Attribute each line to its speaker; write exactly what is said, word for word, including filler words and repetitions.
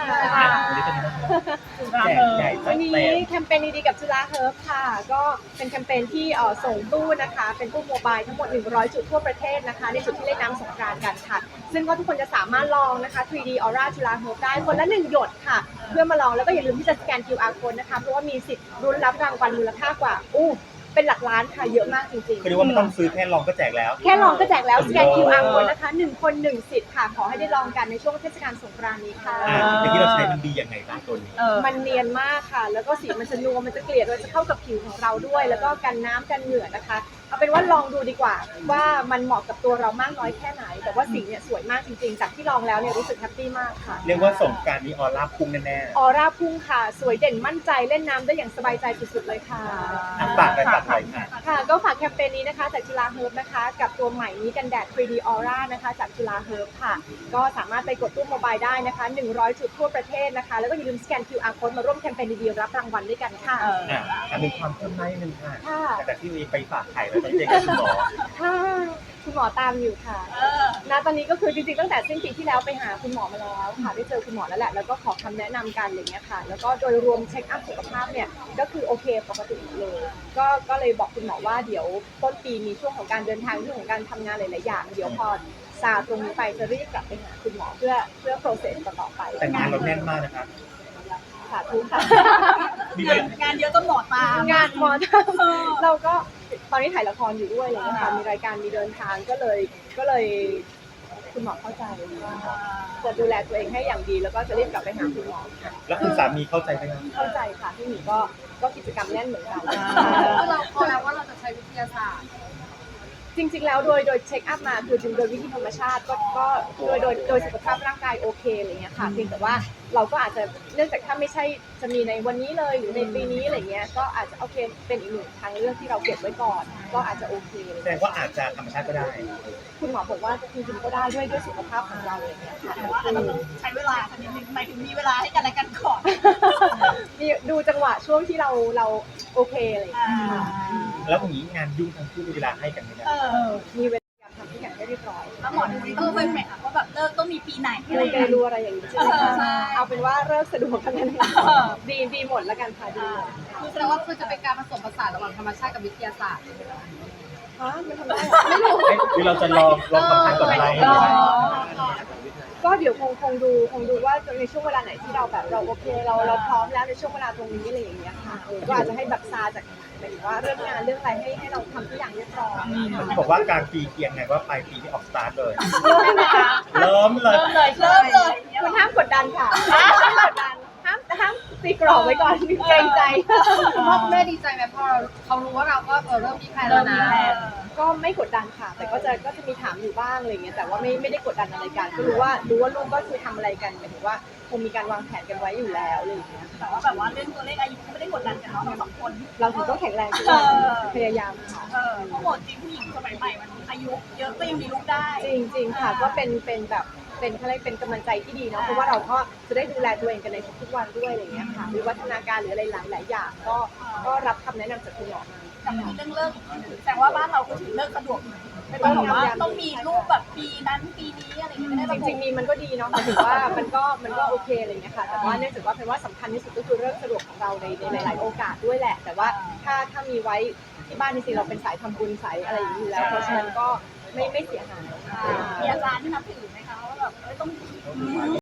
Speaker 1: วันนี้เป็นแจกใหญ่จั
Speaker 2: วั
Speaker 1: ด
Speaker 2: นนี้
Speaker 1: เต็ม
Speaker 2: แคมเปญดีๆกับจุฬาเฮิร์บค่ะก็เป็นแคมเปญที่เอ่อส่งตู้นะคะเป็นตู้โมบายทั้งหมดหนึ่งร้อยจุดทั่วประเทศนะคะในจุดที่เล่นน้ำสงกรานต์กันค่ะซึ่งก็ทุกคนจะสามารถลองนะคะ ทรี ดี Aura จุฬาเฮิร์บได้คนละหนึ่งหยดค่ะเพื่อมาลองแล้วก็อย่าลืมที่จะสแกน คิว อาร์ code นะคะเพราะว่ามีสิทธิ์รุ้นรับรางวัลมูลค่ากว่าอู้เป็นหลักล้านค่ะเยอะมากจริงๆ
Speaker 1: คือเรียกว่าไม่ต้องซื้อแค่ลองก็แจกแล้ว
Speaker 2: แค่ลองก็แจกแล้วสแกน คิว อาร์ code นะคะหนึ่งคนหนึ่งสิทธิ์ค่ะขอให้ได้ลองกันในช่วงเทศกาลสงกรานต์นี้ค่ะ
Speaker 1: อ่าแต่ที่เราใช้มันดียังไงบ้างตัวนี้
Speaker 2: มันเนียนมากค่ะ แล้วก็สีมันจะนัวมันจะเกลี่ยมันจะเข้ากับผิวของเราด้วย แล้วก็กันน้ำกันเหงื่อนะคะ เอาเป็นว่าลองดูดีกว่า ว่ามันเหมาะกับตัวเรามากน้อยแค่ไหน แต่ว่าสีเนี่ยสวยมากจริงๆ จากที่ลองแล้วเนี่ยรู้สึกแฮปปี้มากค่ะ
Speaker 1: เรียกว่าสงกรานต์นี้ออร่าพุ่งแน่ๆ
Speaker 2: ออร่าพุ่งค่ะ สวยเด่นมั่นใจเล่นน้ำได้อย่างสบายใจสุดๆเลยค่ะ
Speaker 1: อ่ะฝากอะไรฝากอะไรค่ะ
Speaker 2: ค่ะก็ฝากแคมเปญนี้นะคะจากจุฬาเฮิร์บนะคะกับตัวใหม่นี้กันแดด ทรี ดี Aura นะคะจากจุฬาเฮิร์บค่ะก็สามารถไปกดตู้โมบายได้นะคะหนึ่งร้อยจุดทั่วประเทศนะคะแล้วก็อย่าลืมสแกน คิว อาร์ code มาร่วมแคมเปญดีๆรับรางวัลด้วยกันค่ะ
Speaker 1: อ่ะอันมีความคืบหน้านิดนึงค่ะ
Speaker 2: ค่ะ
Speaker 1: แต่ที่มีไปฝากไข่แล้วตอนนี้เจอกับคุณหมอ
Speaker 2: ค่ะคุณหมอตามอยู่ค่ะณตอนนี้ก็คือจริงๆตั้งแต่สิ้นปีที่แล้วไปหาคุณหมอมาแล้วค่ะได้เจอคุณหมอแล้วแหละแล้วก็ขอคำแนะนำกันอะไรเงี้ยค่ะแล้วก็โดยรวมเช็คอัพสุขภาพเนี่ยก็คือโอเคปกติเลยก็ก็เลยบอกคุณหมอว่าเดี๋ยวต้นปีมีช่วงของการเดินทางเรื่องของการทำงานหลายๆอย่างเดี๋ยวพอซาตรงนี้ไปจะรีบกลับไปหาคุณหมอเพื่อเพื่อ process ต่อไป
Speaker 1: แต่งานเราแน่นมากนะคะ
Speaker 2: สาธุค่ะ
Speaker 1: มี
Speaker 3: งานงานเยอะจนหมอตาม
Speaker 2: งานหมอทำเราก็ตอนนี้ถ่ายละครอยู่ด้วยอะไรเลยค่ะมีรายการมีเดินทางก็เลยก็เลยคุณหมอเข้าใจว่าจะดูแลตัวเองให้อย่างดีแล้วก็จะรีบกลับไปหาคุณหมอค่ะ
Speaker 1: แล้วคุณสามีเข้าใจไหมครับ
Speaker 2: เข้าใจค่ะพี่หมีก็ก็กิจกรรมแน่นเหมือนกัน
Speaker 3: เราพอแล้วว่าเราจะใช้วิทยาศาสตร์
Speaker 2: จริงๆแล้วโดยโดยเช็คอัพมาคือจริงโดยวิธีธรรมชาติก็ก็โดยโดยโดยสุขภาพร่างกายโอเคอะไรเงี้ยค่ะเพียงแต่ว่าเราก็อาจจะเนื่องจากถ้าไม่ใช่จะมีในวันนี้เลยหรือในปีนี้อะไรเงี้ยก็อาจจะโอเคเป็นอีกหนึ่งทางเลือกที่เราเก็บไว้ก่อน ก็อาจจะโอเค
Speaker 1: แสดงว่าอาจจะธรรมชาติก็ได้
Speaker 2: คุณหมอบอกว่าจริงๆก็ได้ด้วยด้วยสุขภาพของเราอะไรเงี้ยค่ะ
Speaker 3: แต่ว่าอาจจะต้องใช้เวลาสักนิดนึงหมายถึงมีเวลาให้กันและกันก่อน
Speaker 2: มีดูจังหวะช่วงที่เราเราโอเคอะไรอย่างเงี้ยค่ะ
Speaker 1: แล้วอย่างนี้งานยุ่งทั้งคู่มีเวลาให้กันไหมเนี่ย
Speaker 3: เออ
Speaker 2: มีเวลาทำทุกอย่างให้เรียบร้อย
Speaker 3: แล้วหมอดูนี่ต้องเป็นไหมคะว่าแบบเลิกต้องมีปีไหนอะไร
Speaker 2: ไม่
Speaker 3: อย่าง
Speaker 2: ได้
Speaker 3: เงี้ย
Speaker 2: รู้อะไรอย่างนี้ใช่ไหมคะ
Speaker 3: ใช่
Speaker 2: เอาเป็นว่าเริ่มสะดวกกันนั้น
Speaker 3: เออ
Speaker 2: ดีดีหมดแล้วกันค่ะดีหมด
Speaker 3: คือแสดงว่าคือจะเป็นการผสมผสานระหว่างธรรมชาติกับวิทยาศาสตร์
Speaker 2: ฮะมันทำได้เหรอไม่รู้
Speaker 1: เอ๊ะหรือเราจะลองลองทำทางกับอะไร
Speaker 3: อ๋อ
Speaker 2: ก็เดี๋ยวคงคงดูคงดูว่าในช่วงเวลาไหนที่เราแบบเราโอเคเราเราพร้อมแล้วในช่วงเวลาตรงนี้อะไรอย่างเงี้ยค่ะเออก็อาจจะให้แบบซาจากหมายถึงว่าเรื่องงานเรื่องอะไรให้ให้เราทำทุกอย่างเรียบร้อย
Speaker 1: ที่บอกว่ากลางปีเกียงไงว่าปลายปีที่ออกสตาร์ทเลย
Speaker 2: เริ่มนะคะ
Speaker 1: เริ่มเลย
Speaker 3: เริ่มเลยเริ่มเลย
Speaker 2: คุณห้ามกดดันค่ะห้ามกดดันห้ามห้ามตีกรอบไว้ก่อนเกรงใจ
Speaker 3: พ่อแม่ดีใจไหมพอเขารู้ว่าเราก็เออเริ่มมีแพลนแล้วนะ
Speaker 2: ก็ไม่กดดันค่ะ แต่ก็จะก็จะมีถามอยู่บ้างอะไรเงี้ยแต่ว่าไม่ไม่ได้กดดันอะไรกันก็รู้ว่ารู้ว่าลูกก็คือทำอะไรกันหมายถึงว่าคงมีการวางแผนกันไว้อยู่แล้วอะไรอย่างเงี้ย
Speaker 3: แต่ว่าแบบว่าเรื่องตัวเลขอายุไม่ได้กดดันกันเนาะเราสองคน
Speaker 2: เราถึงต้องแข็งแรงทุกวันพยายามค่ะ
Speaker 3: เออเพราะหมดจริงผู้หญิงสมัยใหม่มันอายุเยอะก็ยังมีลูกได้
Speaker 2: จริงจริงๆค่ะก็เป็นเป็นแบบเป็นอะไรยกเป็นกำลังใจที่ดีเนาะเพราะว่าเราก็จะได้ดูแลตัวเองกันในทุกๆวันด้วยอะไรเงี้ยค่ะวิวัฒนาการหรืออะไรหลายหลายๆอย่างก็ก็รับคำแนะนำจากคุณหมอมา
Speaker 3: แต่มีเรื่องเลิกอีกทีหนึ่งแต่ว่าบ้านเราก็ถือเลิกสะดวกหน่อยไม่ต้องแบบว่าต้องมีลูกแบบปีนั้นปีนี้อะไรอย่างเงี้ยไม่ได้
Speaker 2: จ
Speaker 3: ระบุ
Speaker 2: ริงๆมีมันก็ดีเนาะหมายถึงว่ามันก็มันก็โอเคอะไรเงี้ยค่ะแต่ว่าเนื่องจากว่าเป็นว่าสำคัญที่สุดก็คือเรื่องสะดวกของเราในในหลาย ๆ โอกาสด้วยแหละ แต่ว่าถ้าถ้ามีไว้ที่บ้านจริงๆเราเป็นสายทำบุญสายอะไรอย่างนี้อยู่แล้วเพราะฉะนั้นก็ไม่ไม่เสียหาย
Speaker 3: มีอาจารย์ที่นับถือไหมคะว่าแบบเอ้ยต้อง